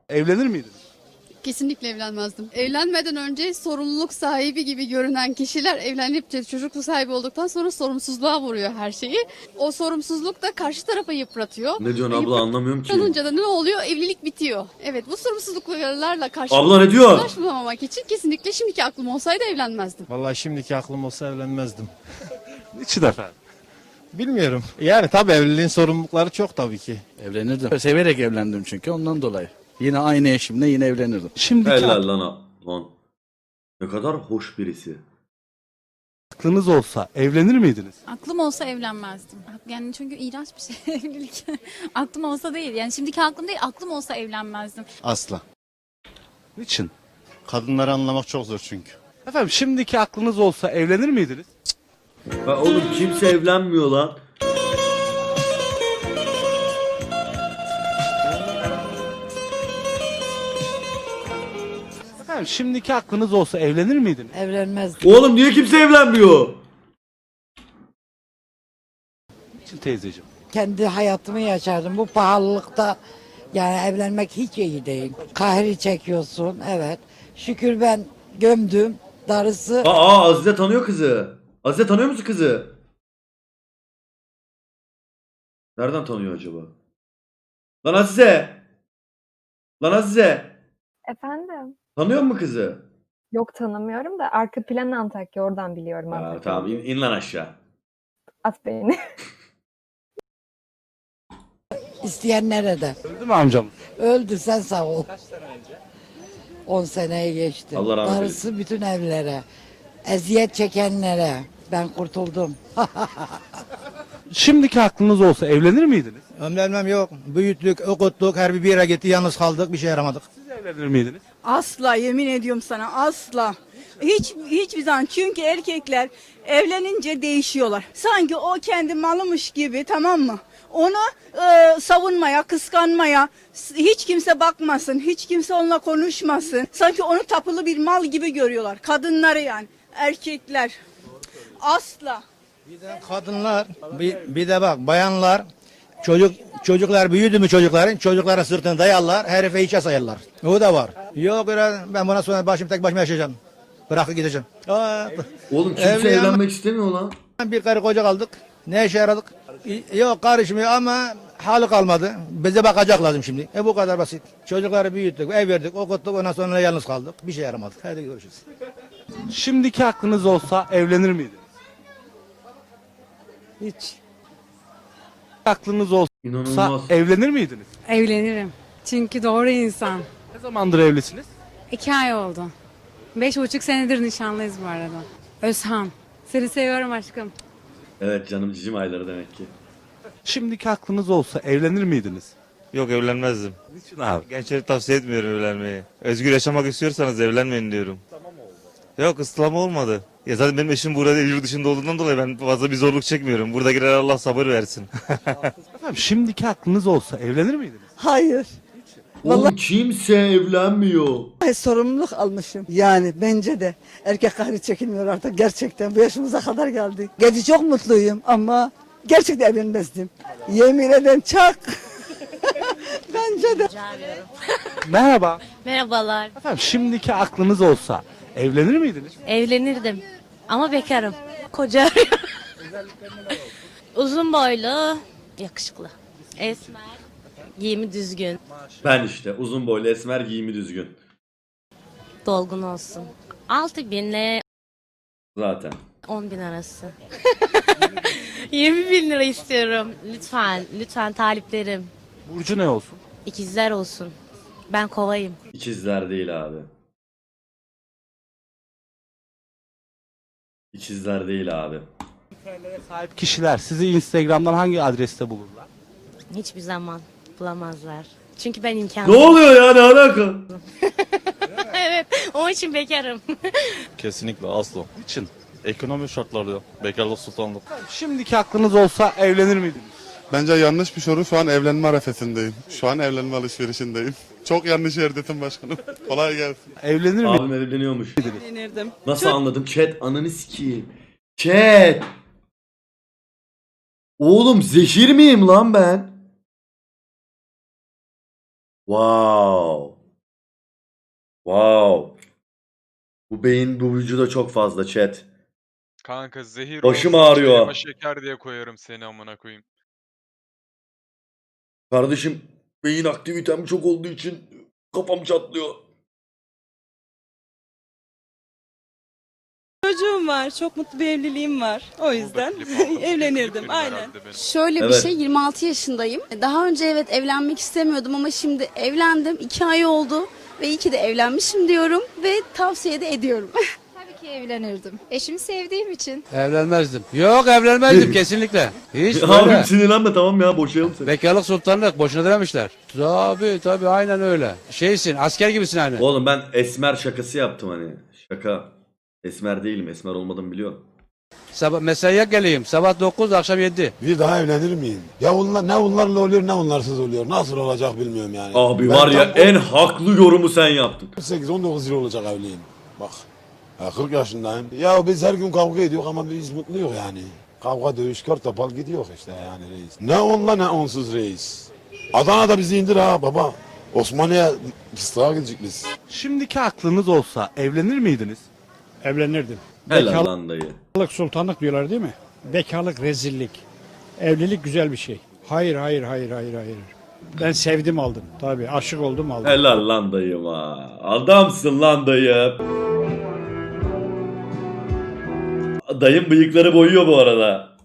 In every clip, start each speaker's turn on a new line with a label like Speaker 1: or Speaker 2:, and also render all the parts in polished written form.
Speaker 1: Evlenir miydiniz?
Speaker 2: Kesinlikle evlenmezdim. Evlenmeden önce sorumluluk sahibi gibi görünen kişiler evlenip de çocuk sahibi olduktan sonra sorumsuzluğa vuruyor her şeyi. O sorumsuzluk da karşı tarafa yıpratıyor.
Speaker 3: Ne diyorsun abla, anlamıyorum ki.
Speaker 2: Yıpranınca da ne oluyor? Evlilik bitiyor. Evet, bu sorumsuzluklarla
Speaker 3: Abla ne diyor?
Speaker 2: karşılaşmamak için kesinlikle şimdiki aklım olsaydı evlenmezdim.
Speaker 4: Vallahi şimdiki aklım olsa evlenmezdim.
Speaker 1: Niçin efendim?
Speaker 4: Bilmiyorum. Yani tabii evliliğin sorumlulukları çok tabii ki.
Speaker 5: Evlenirdim. Severek evlendim çünkü ondan dolayı. Yine aynı eşimle yine evlenirdim.
Speaker 1: Şimdiki
Speaker 3: Helal lan. Ne kadar hoş birisi.
Speaker 1: aklınız olsa evlenir miydiniz?
Speaker 6: Aklım olsa evlenmezdim. Yani çünkü iğrenç bir şey evlilik. Aklım olsa değil. Yani şimdiki aklım değil, aklım olsa evlenmezdim.
Speaker 4: Asla.
Speaker 1: Niçin?
Speaker 4: Kadınları anlamak çok zor çünkü.
Speaker 1: Efendim şimdiki aklınız olsa evlenir miydiniz?
Speaker 3: Ha, oğlum kimse evlenmiyor lan.
Speaker 1: Efendim şimdiki aklınız olsa evlenir miydiniz?
Speaker 7: Evlenmezdim.
Speaker 3: Oğlum niye kimse evlenmiyor?
Speaker 1: Niçin teyzeciğim?
Speaker 7: Kendi hayatımı yaşardım. Bu pahalılıkta yani evlenmek hiç iyi değil. Kahri çekiyorsun, evet. Şükür ben gömdüm. Darısı
Speaker 3: Azize tanıyor kızı. Azize tanıyor musun kızı? Nereden tanıyor acaba? Lan Azize. Lan Azize.
Speaker 8: Efendim?
Speaker 3: Tanıyor musun kızı?
Speaker 8: Yok tanımıyorum da arka plan Antakya oradan biliyorum
Speaker 3: Ha,
Speaker 8: Antakya.
Speaker 3: tamam in lan aşağı.
Speaker 8: At beni.
Speaker 7: isteyen nerede?
Speaker 1: Öldü mü amcam?
Speaker 7: Öldü, sen sağ ol. Kaç sene önce? 10 seneye geçti.
Speaker 3: Allah rahmet
Speaker 7: Darısı bütün evlere. Eziyet çekenlere. Ben kurtuldum.
Speaker 1: Şimdiki aklınız olsa evlenir miydiniz?
Speaker 4: Evlenmem yok. Büyüttük, okuttuk, her bir yere gitti, yalnız kaldık, bir şey yaramadık.
Speaker 1: Siz evlenir miydiniz?
Speaker 9: Asla, yemin ediyorum sana, asla. Hiçbir zaman, çünkü erkekler evlenince değişiyorlar. Sanki o kendi malımış gibi, tamam mı? Onu savunmaya, kıskanmaya, hiç kimse bakmasın, hiç kimse onunla konuşmasın. Sanki onu tapılı bir mal gibi görüyorlar. Kadınları yani, erkekler. Asla.
Speaker 4: Bir de kadınlar, bir de bak bayanlar, çocuklar büyüdü mü çocuklara sırtını dayarlar, herife hiçe sayarlar. O da var. Yok ben buna sonra tek başıma yaşayacağım. Bırakıp gideceğim.
Speaker 3: Oğlum kimse
Speaker 4: Evlenme-
Speaker 3: evlenmek istemiyor lan.
Speaker 4: Bir karı koca kaldık. Ne işe yaradık? Yok karışmıyor ama halı kalmadı. Bize bakacak lazım şimdi. Bu kadar basit. Çocukları büyüttük, ev verdik, okuttuk, ondan sonra yalnız kaldık. Bir şey yaramadık. Hadi görüşürüz.
Speaker 1: Şimdiki aklınız olsa evlenir miydiniz?
Speaker 7: Hiç.
Speaker 1: Aklınız olsa
Speaker 3: İnanılmaz.
Speaker 1: evlenir miydiniz?
Speaker 6: Evlenirim. Çünkü doğru insan.
Speaker 1: Ne zamandır evlisiniz?
Speaker 6: 2 ay oldu. 5,5 senedir nişanlıyız bu arada. Özhan. Seni seviyorum aşkım.
Speaker 3: Evet canım, cicim ayları demek ki.
Speaker 1: Şimdiki aklınız olsa evlenir miydiniz?
Speaker 10: Yok evlenmezdim.
Speaker 1: Niçin abi?
Speaker 10: Gençlere tavsiye etmiyorum evlenmeyi. Özgür yaşamak istiyorsanız evlenmeyin diyorum. Yok ıslama olmadı. Ya zaten benim eşim burada yurt dışında olduğundan dolayı ben fazla bir zorluk çekmiyorum. Burada girer Allah sabır versin.
Speaker 1: Efendim şimdiki aklınız olsa evlenir miydiniz?
Speaker 9: Hayır.
Speaker 3: Oğlum kimse evlenmiyor.
Speaker 9: Sorumluluk almışım. Yani bence de erkek kahri çekilmiyor artık gerçekten. Bu yaşımıza kadar geldik. Gece çok mutluyum ama gerçekten evlenmezdim. Yemin ederim çak. Bence de.
Speaker 1: Merhaba.
Speaker 6: Merhabalar.
Speaker 1: Efendim şimdiki aklınız olsa evlenir miydiniz?
Speaker 6: Evlenirdim. Ama bekarım. Koca arıyorum. Uzun boylu, yakışıklı. Esmer, giyimi düzgün,
Speaker 3: Ben işte uzun boylu, esmer, giyimi düzgün.
Speaker 6: dolgun olsun. 6.000 ile
Speaker 3: Zaten.
Speaker 6: 10.000 arası. 20.000 lira istiyorum. Lütfen taliplerim.
Speaker 1: Burcu ne olsun?
Speaker 6: İkizler olsun. Ben kovayım.
Speaker 3: İkizler değil abi. İkizler değil abi.
Speaker 1: Sahip kişiler sizi Instagram'dan hangi adreste bulurlar?
Speaker 6: Hiçbir zaman bulamazlar. Çünkü ben
Speaker 3: Ne
Speaker 6: imkansız.
Speaker 3: oluyor ya, ne alaka?
Speaker 6: Evet, onun için bekarım.
Speaker 10: Kesinlikle asla.
Speaker 1: Niçin?
Speaker 10: Ekonomi şartları bekarlık sultanlık.
Speaker 1: Şimdiki aklınız olsa evlenir miydiniz?
Speaker 11: Bence yanlış bir soru. Şu an evlenme arefesindeyim. Şu an evlenme alışverişindeyim. Çok yanlış yerdesin başkanım. Kolay gelsin.
Speaker 1: Evlenir miydiniz?
Speaker 3: Abim evleniyormuş.
Speaker 9: Evlenirdim.
Speaker 3: Nasıl anladım? Chat ananı sikeyim. Chat. Oğlum zehir miyim lan ben? Wow. Wow. Bu beyin bu vücuda çok fazla chat.
Speaker 12: Kanka zehir
Speaker 3: Başım
Speaker 12: olsun,
Speaker 3: ağrıyor.
Speaker 12: çayıma şeker diye koyarım seni amına koyayım.
Speaker 3: Kardeşim beyin aktivitem çok olduğu için kafam çatlıyor.
Speaker 9: Çocuğum var. Çok mutlu bir evliliğim var. O yüzden
Speaker 12: Klip aldım.
Speaker 9: evlenirdim.
Speaker 12: Klip benim
Speaker 9: Aynen.
Speaker 12: herhalde benim.
Speaker 2: Şöyle
Speaker 3: Evet.
Speaker 2: bir şey, 26 yaşındayım. Daha önce evet evlenmek istemiyordum ama şimdi evlendim. 2 ay oldu ve iyi ki de evlenmişim diyorum ve tavsiye de ediyorum.
Speaker 6: Tabii ki evlenirdim. Eşimi sevdiğim için.
Speaker 5: Evlenmezdim. Yok evlenmezdim kesinlikle. Hiç
Speaker 3: Abim
Speaker 5: böyle.
Speaker 3: sinirlenme tamam ya boşayalım seni.
Speaker 5: Bekarlık sultanlık boşuna dememişler. Tabii aynen öyle. Şeysin asker gibisin aynı.
Speaker 3: Oğlum ben esmer şakası yaptım hani. Şaka. Esmer değilim. Esmer olmadığımı biliyorum.
Speaker 5: Sabah mesaiye geleyim. Sabah 9 akşam 7.
Speaker 11: Bir daha evlenir miyim? Ya onlar ne onlarla oluyor ne onlarsız oluyor. Nasıl olacak bilmiyorum yani.
Speaker 3: Abi var ya en haklı yorumu sen yaptın.
Speaker 11: 18-19 yıl olacak evliyim. Bak. Ya 40 yaşındayım. Ya biz her gün kavga ediyoruz ama biz mutluyuz yani. Kavga dövüş kör topal gidiyor işte yani reis. Ne onla ne onsuz reis. Adana'da bizi indir ha baba. Osmaniye fıstığa gidecek biz.
Speaker 1: Şimdiki aklınız olsa evlenir miydiniz?
Speaker 4: Evlenirdim.
Speaker 3: Helal lan dayı.
Speaker 4: Bekarlık sultanlık diyorlar değil mi? Bekarlık rezillik. Evlilik güzel bir şey. Hayır. Ben sevdim aldım. Tabii aşık oldum aldım.
Speaker 3: Helal lan dayım ha. Adamsın lan dayı. Dayım bıyıkları boyuyor bu arada.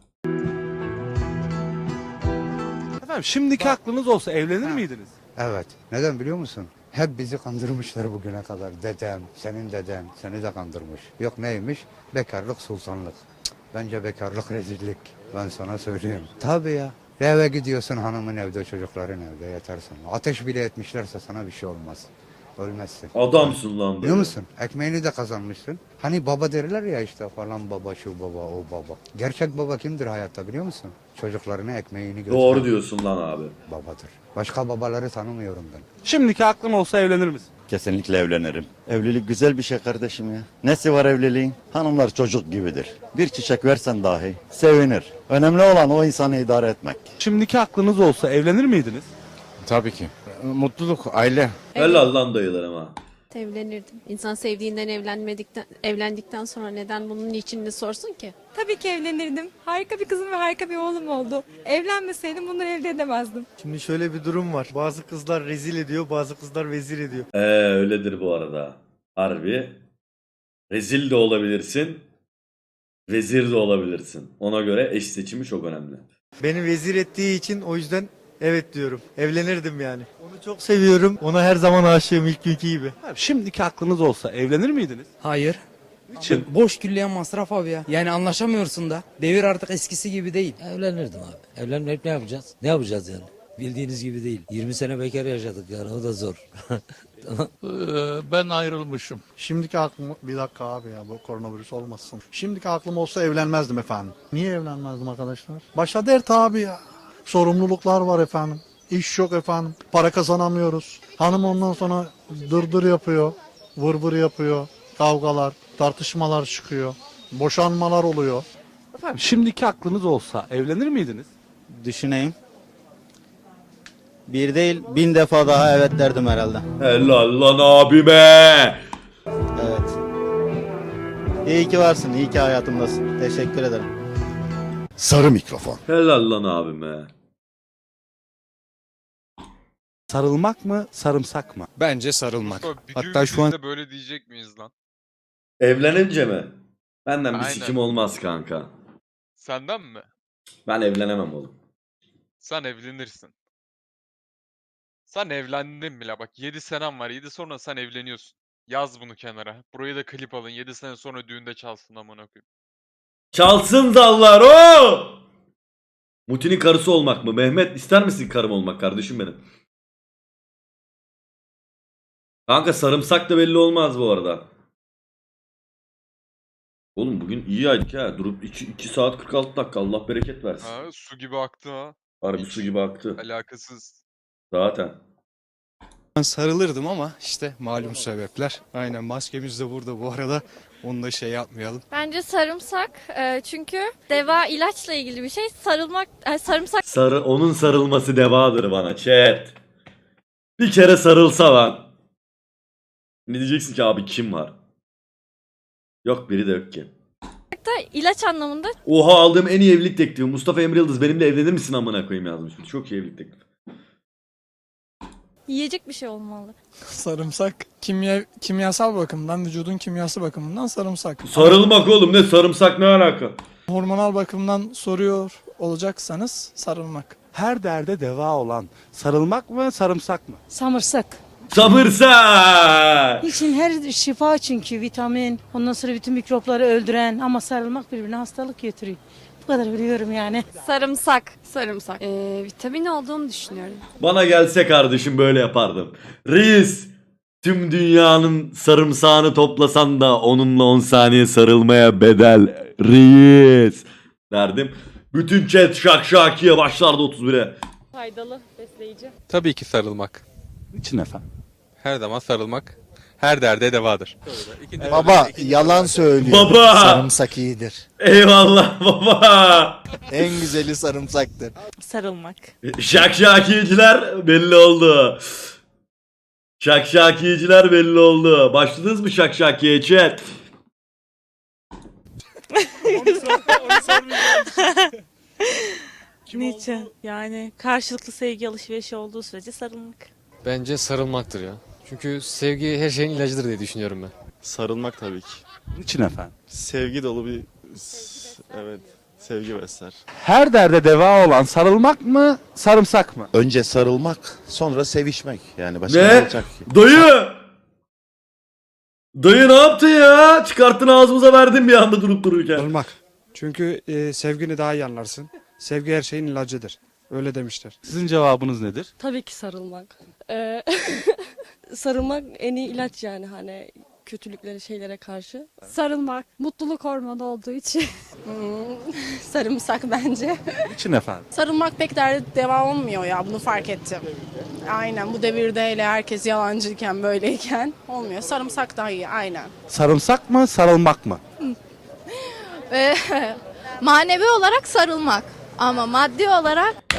Speaker 1: Efendim şimdiki aklınız olsa evlenir miydiniz?
Speaker 4: Evet. Neden biliyor musun? Hep bizi kandırmışlar bugüne kadar. Dedem, senin deden seni de kandırmış. Yok neymiş? Bekarlık sultanlık. Cık, bence bekarlık rezillik. Ben sana söyleyeyim. Tabii ya. Eve gidiyorsun hanımın evde, çocukların evde yatarsın. Ateş bile etmişlerse sana bir şey olmaz. Ölmezsin.
Speaker 3: Adamsın lan dayı.
Speaker 4: Biliyor musun? Ekmeğini de kazanmışsın. Hani baba derler ya işte falan baba, şu baba, o baba. Gerçek baba kimdir hayatta biliyor musun? Çocuklarına ekmeğini gösteren
Speaker 3: Doğru diyorsun lan abi.
Speaker 4: babadır. Başka babaları tanımıyorum ben.
Speaker 1: Şimdiki aklın olsa evlenir misin?
Speaker 10: Kesinlikle evlenirim. Evlilik güzel bir şey kardeşim ya. Nesi var evliliğin? Hanımlar çocuk gibidir. Bir çiçek versen dahi sevinir. Önemli olan o insanı idare etmek.
Speaker 1: Şimdiki aklınız olsa evlenir miydiniz?
Speaker 5: Tabii ki. Mutluluk, aile.
Speaker 3: Helal lan dayılar ama.
Speaker 2: Evlenirdim. İnsan sevdiğinden evlendikten sonra neden bunun içinde sorsun ki?
Speaker 9: Tabii ki evlenirdim. Harika bir kızım ve harika bir oğlum oldu. Evlenmeseydim bunları elde edemezdim.
Speaker 4: Şimdi şöyle bir durum var. Bazı kızlar rezil ediyor, bazı kızlar vezir ediyor.
Speaker 3: Öyledir bu arada. Harbi. Rezil de olabilirsin. Vezir de olabilirsin. Ona göre eş seçimi çok önemli.
Speaker 4: Beni vezir ettiği için o yüzden evet diyorum. Evlenirdim yani. Onu çok seviyorum. Ona her zaman aşığım ilk günkü gibi.
Speaker 1: Efendim, şimdiki aklınız olsa evlenir miydiniz?
Speaker 5: Hayır.
Speaker 1: Niçin?
Speaker 5: Boş külliyen masraf abi ya. Yani anlaşamıyorsun da. Devir artık eskisi gibi değil.
Speaker 7: Evlenirdim abi. Evlenmek ne yapacağız? Ne yapacağız yani? Bildiğiniz gibi değil. 20 sene bekar yaşadık yani o da zor.
Speaker 5: Ben ayrılmışım.
Speaker 4: Şimdiki aklım bir dakika abi ya bu koronavirüs olmasın. Şimdiki aklım olsa evlenmezdim efendim. Niye evlenmezdim arkadaşlar? Başa dert abi ya. Sorumluluklar var efendim. İş yok efendim. Para kazanamıyoruz. Hanım ondan sonra dırdır yapıyor. Vır vır yapıyor. Kavgalar, tartışmalar çıkıyor. Boşanmalar oluyor.
Speaker 1: Efendim şimdiki aklınız olsa evlenir miydiniz?
Speaker 5: Düşüneyim. Bir değil 1000 defa daha evet derdim herhalde.
Speaker 3: Helal lan abime.
Speaker 5: Evet. İyi ki varsın, iyi ki hayatımdasın. Teşekkür ederim.
Speaker 11: Sarı mikrofon.
Speaker 3: Helal lan abime.
Speaker 1: Sarılmak mı, sarımsak mı?
Speaker 5: Bence sarılmak.
Speaker 12: Hatta şu an böyle diyecek miyiz lan?
Speaker 3: Evlenince mi? Benden bir
Speaker 12: Aynen.
Speaker 3: sikim olmaz kanka.
Speaker 12: Senden mi?
Speaker 3: Ben evlenemem oğlum.
Speaker 12: Sen evlenirsin. Sen evlendin bile bak 7 senem var 7 sonra sen evleniyorsun. Yaz bunu kenara. Burayı da klip alın 7 sene sonra düğünde çalsın amına koyayım.
Speaker 3: Çalsın dallar o. Mutin'in karısı olmak mı? Mehmet ister misin karım olmak kardeşim benim? Kanka sarımsak da belli olmaz bu arada. Oğlum bugün iyi aydık ha. Durup 2 saat 46 dakika. Allah bereket versin.
Speaker 12: Ha, su gibi aktı ha.
Speaker 3: Harbi su gibi aktı.
Speaker 12: Alakasız.
Speaker 3: Zaten.
Speaker 5: Ben sarılırdım ama işte malum sebepler. Aynen maskemiz de burada bu arada. Onu da şey yapmayalım.
Speaker 6: Bence sarımsak çünkü deva ilaçla ilgili bir şey. Sarımsak
Speaker 3: Onun sarılması devadır bana chat. Bir kere sarılsa lan. Ne diyeceksin ki abi kim var? Yok biri de yok ki.
Speaker 6: İlaç anlamında
Speaker 3: Oha aldığım en iyi evlilik teklifi. Mustafa Emre Yıldız benimle evlenir misin amına koyayım yazmış. Çok iyi evlilik teklifi.
Speaker 6: yiyecek bir şey olmalı.
Speaker 5: Sarımsak kimyasal bakımdan, vücudun kimyası bakımından sarımsak.
Speaker 3: Sarılmak oğlum ne sarımsak ne alaka?
Speaker 5: Hormonal bakımdan soruyor olacaksanız sarılmak.
Speaker 1: Her derde deva olan sarılmak mı sarımsak mı?
Speaker 9: Samırsak.
Speaker 3: Sabırsak.
Speaker 9: İçin her şifa çünkü vitamin. Ondan sonra bütün mikropları öldüren ama sarılmak birbirine hastalık getiriyor. Bu kadar biliyorum yani.
Speaker 6: Sarımsak.
Speaker 2: Sarımsak. Vitamin olduğunu düşünüyorum.
Speaker 3: Bana gelse kardeşim böyle yapardım. Reis tüm dünyanın sarımsağını toplasan da onunla 10 saniye sarılmaya bedel. Reis derdim. Bütün chat şakşakiye başlardı 31'e.
Speaker 6: Faydalı, besleyici.
Speaker 12: Tabii ki sarılmak.
Speaker 1: Niçin efendim?
Speaker 12: Her zaman sarılmak. Her derde devadır.
Speaker 5: Baba yalan söylüyor.
Speaker 3: Baba.
Speaker 5: Sarımsak iyidir.
Speaker 3: Eyvallah baba.
Speaker 5: En güzeli sarımsaktır.
Speaker 6: Sarılmak.
Speaker 3: Şakşakiyeciler belli oldu. Şakşakiyeciler belli oldu. Başladınız mı şakşakiye chat?
Speaker 6: Niçin? Yani karşılıklı sevgi alışverişi olduğu sürece sarılmak.
Speaker 5: Bence sarılmaktır ya. Çünkü sevgi her şeyin ilacıdır diye düşünüyorum ben.
Speaker 10: Sarılmak tabii ki.
Speaker 1: Niçin efendim?
Speaker 10: Sevgi dolu bir evet sevgi besler.
Speaker 1: Her derde deva olan sarılmak mı sarımsak mı?
Speaker 11: Önce sarılmak, sonra sevişmek. Yani başka
Speaker 3: Ne?
Speaker 11: olacak ki?
Speaker 3: Dayı! Dayı ne yaptın ya? Çıkarttın ağzımıza verdin bir anda durup dururken.
Speaker 5: Sarılmak. Çünkü sevgini daha iyi anlarsın. Sevgi her şeyin ilacıdır. Öyle demişler.
Speaker 1: Sizin cevabınız nedir?
Speaker 9: Tabii ki sarılmak. Sarılmak en iyi ilaç yani hani kötülüklere şeylere karşı.
Speaker 2: Sarılmak. Mutluluk hormonu olduğu için.
Speaker 9: Sarımsak bence.
Speaker 1: Niçin efendim?
Speaker 9: Sarılmak pek devam olmuyor ya bunu fark ettim. Aynen bu devirde hele herkes yalancıyken böyleyken olmuyor. Sarımsak daha iyi aynen.
Speaker 1: Sarımsak mı sarılmak mı?
Speaker 2: Manevi olarak sarılmak. Ama maddi olarak